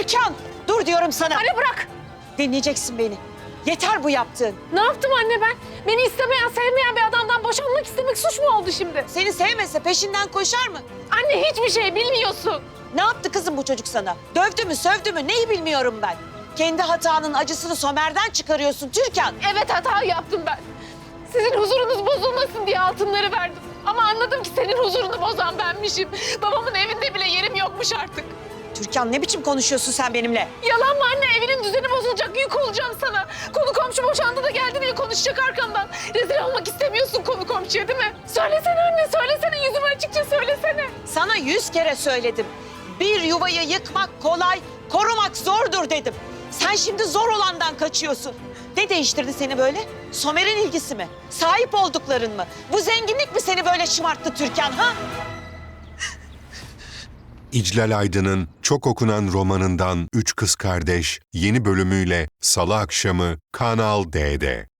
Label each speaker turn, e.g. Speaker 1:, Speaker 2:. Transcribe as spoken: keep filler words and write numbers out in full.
Speaker 1: Türkan! Dur diyorum sana.
Speaker 2: Anne bırak!
Speaker 1: Dinleyeceksin beni. Yeter bu yaptığın.
Speaker 2: Ne yaptım anne ben? Beni istemeyen, sevmeyen bir adamdan boşanmak istemek suç mu oldu şimdi?
Speaker 1: Seni sevmese peşinden koşar mı?
Speaker 2: Anne hiçbir şey bilmiyorsun.
Speaker 1: Ne yaptı kızım bu çocuk sana? Dövdü mü, sövdü mü? Neyi bilmiyorum ben. Kendi hatanın acısını Somer'den çıkarıyorsun Türkan.
Speaker 2: Evet hata yaptım ben. Sizin huzurunuz bozulmasın diye altınları verdim. Ama anladım ki senin huzurunu bozan benmişim. Babamın evinde bile yerim yokmuş artık.
Speaker 1: Türkan ne biçim konuşuyorsun sen benimle?
Speaker 2: Yalan mı anne? Evinin düzeni bozulacak, yük olacağım sana. Konu komşu boşandı da geldi diye konuşacak arkamdan. Rezil olmak istemiyorsun konu komşuya değil mi? Söylesene anne, söylesene. Yüzüme açıkça söylesene.
Speaker 1: Sana yüz kere söyledim. Bir yuvayı yıkmak kolay, korumak zordur dedim. Sen şimdi zor olandan kaçıyorsun. Ne değiştirdi seni böyle? Somer'in ilgisi mi? Sahip oldukların mı? Bu zenginlik mi seni böyle şımarttı Türkan ha?
Speaker 3: İclal Aydın'ın çok okunan romanından Üç Kız Kardeş yeni bölümüyle Salı akşamı Kanal D'de.